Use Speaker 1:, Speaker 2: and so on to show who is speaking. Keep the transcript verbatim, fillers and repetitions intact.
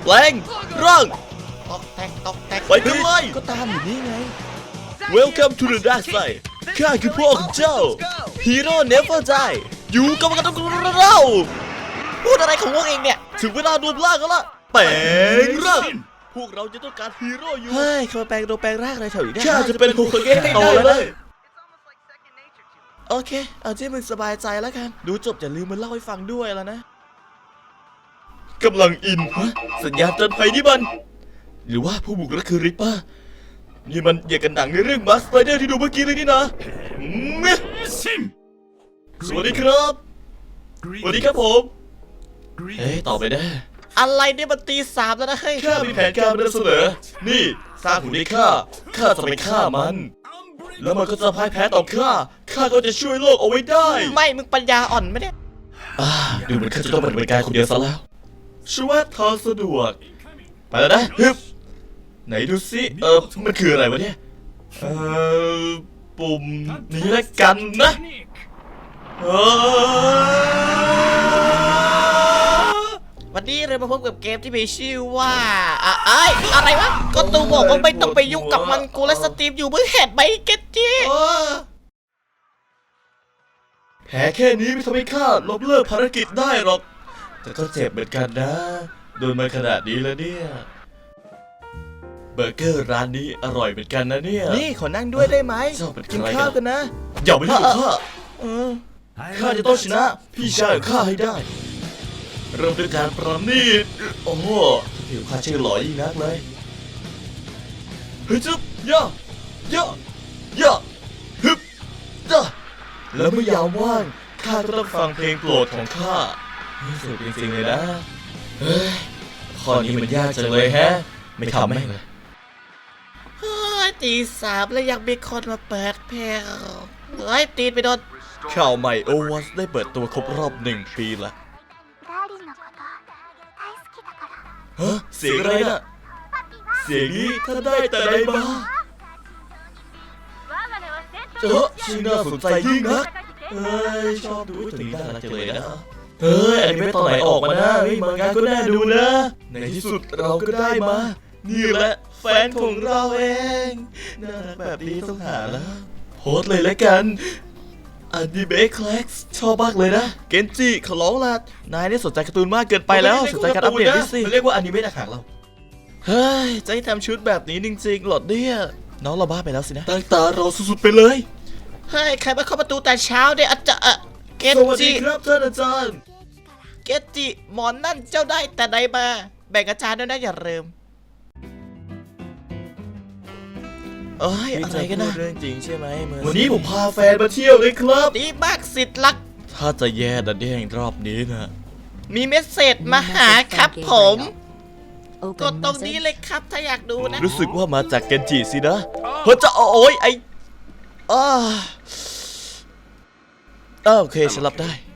Speaker 1: แปลงร่าง
Speaker 2: ตอกแตกตอกแตก
Speaker 1: ไปกันเลยก็ตามอยู่นี่ไง Welcome to the dark side ข้าคือพ่อของเจ้า Hero Never Die อยู่กับกันเราพูดอะไรของพวกเองเนี่ยถึงเวลารวมร่างกันละแปลงร่างพวกเราจะต้องการฮีโร่อยู่เฮ้ยเขาแปลงตัวแปลงร่างอะไรแถวนี้ได้ข้าจะเป็นโฮคาเกะให้ได้เลยโอเคเอาที่มึงสบายใจแล้วกันดูจบอย่าลืมมาเล่าให้ฟังด้วยแล้วนะกำลังอินฮะสัญญาณเตือนภัยนี่มันหรือว่าผู้บุกรุกคือริปเปอร์นี่มันอย่างกันหนังในเรื่องมาสไปเดอร์ที่ดูเมื่อกี้เลยนี่นะสวัสดีครับสวัสดีครับผมเฮ้ยตอบไปได้อะไรเนี่ยมันตีสามแล้วนะเฮ้ยข้ามีแผนการมานำเสนอนี่สร้างหุ่นให้ข้าข้าจะไปฆ่ามันแล้วมันก็จะพ่ายแพ้ต่อข้าข้าก็จะช่วยโลกเอาไว้ได้ไม่มึงปัญญาอ่อนไหมเนี่ยอ่าดูเหมือนข้าจะต้องปฏิบัติการคนเดียวซะแล้วชัวร์ทอสะดวกไปแล้วนะฮึบไหนดูสิเออมันคืออะไรวะเนี่ยเออปุ่มนี้ละกันนะเออวันนี้เรามาพบกับเกมที่มีชื่อว่าอะไออะไรวะก็ตูบอกว่าไม่ต้องไปยุ่งกับมันกูและสตรีมอยู่เมื่อเห็นไหมเก็ตจี้แผลแค่นี้ไม่ทำให้ข้าล้มเลิกภารกิจได้หรอกแต่ก็เจ็บเหมือนกันนะโดนมาขนาดนี้แล้วเนี่ยเบอร์เกอร์ร้านนี้อร่อยเหมือนกันนะเนี่ยนี่ขอนั่งด้วยได้ไหมกินข้าวกันนะอย่าไปยุ่งกับข้าข้าจะต้องชนะพี่ชายของข้าให้ได้เริ่มด้วยการประณีตโอ้โหผิวข้าชื่อหล่อยิ่งนักเลยเฮ้ยจุ๊บย่าย่าย่าฮึบจ้าแล้วเมื่อยามว่างข้าก็ต้องฟังเพลงโปรดของข้าสุดจริงๆเลยนะเฮ้ยข้อนี้มันยากจังเลยแฮะไม่ทำแม่งเลยเฮ้ยตีสามแล้วยังมีคนมาเปิดเพลงเฮ้ยตีนไปโดนข่าวใหม่โอวัสได้เปิดตัวครบรอบหนึ่งปีละฮะเสียงอะไรน่ะเสียงนี้ถ้าได้แต่ใดมาเออชื่อน่าสนใจยิ่งนักเฮ้ยชอบดูถึงน่ารักจังเลยนะเฮ้ยอันนี้ไม่ตอนไหนออกมานะเฮ้ยมางานก็น่าดูนะในที่สุดเราก็ได้มานี่แหละแฟนของเราเองน่ารักแบบนี้ต้องหาแล้วโพสเลยแล้วกันอนิเมะคลาสชอบมากเลยนะเกนจิขอร้องละนายนี่สนใจการ์ตูนมากเกินไปแล้วสนใจการอัปเดตดิสิเรียกว่าอนิเมะหนักเราเฮ้ยจะให้ทำชุดแบบนี้จริงๆหรอเนี่ยน้องเราบ้าไปแล้วสินะตั้งตารอสุดๆไปเลยเฮ้ยใครมาเข้าประตูแต่เช้าเนี่ยอาจารย์เกนจิสวัสดีครับท่านอาจารย์เกนจิหมอนนั่นเจ้าได้แต่ใดมาแบ่งอาจารย์ด้วยนะอย่าลืมเอ้ยอะไรกันนะเรื่องจริงใช่ไหมวันนี้ผมพาแฟนมาเที่ยวเลยครับดีมากสิทธิ์รักถ้าจะแย่ดันแย่งรอบนี้นะมีเมสเซจมาหาครับผมกดตรงนี้เลยครับถ้าอยากดูนะรู้สึกว่ามาจากเกนจิสินะเฮ้ยจะโอ้ยไออ้าโอเคฉันรับได้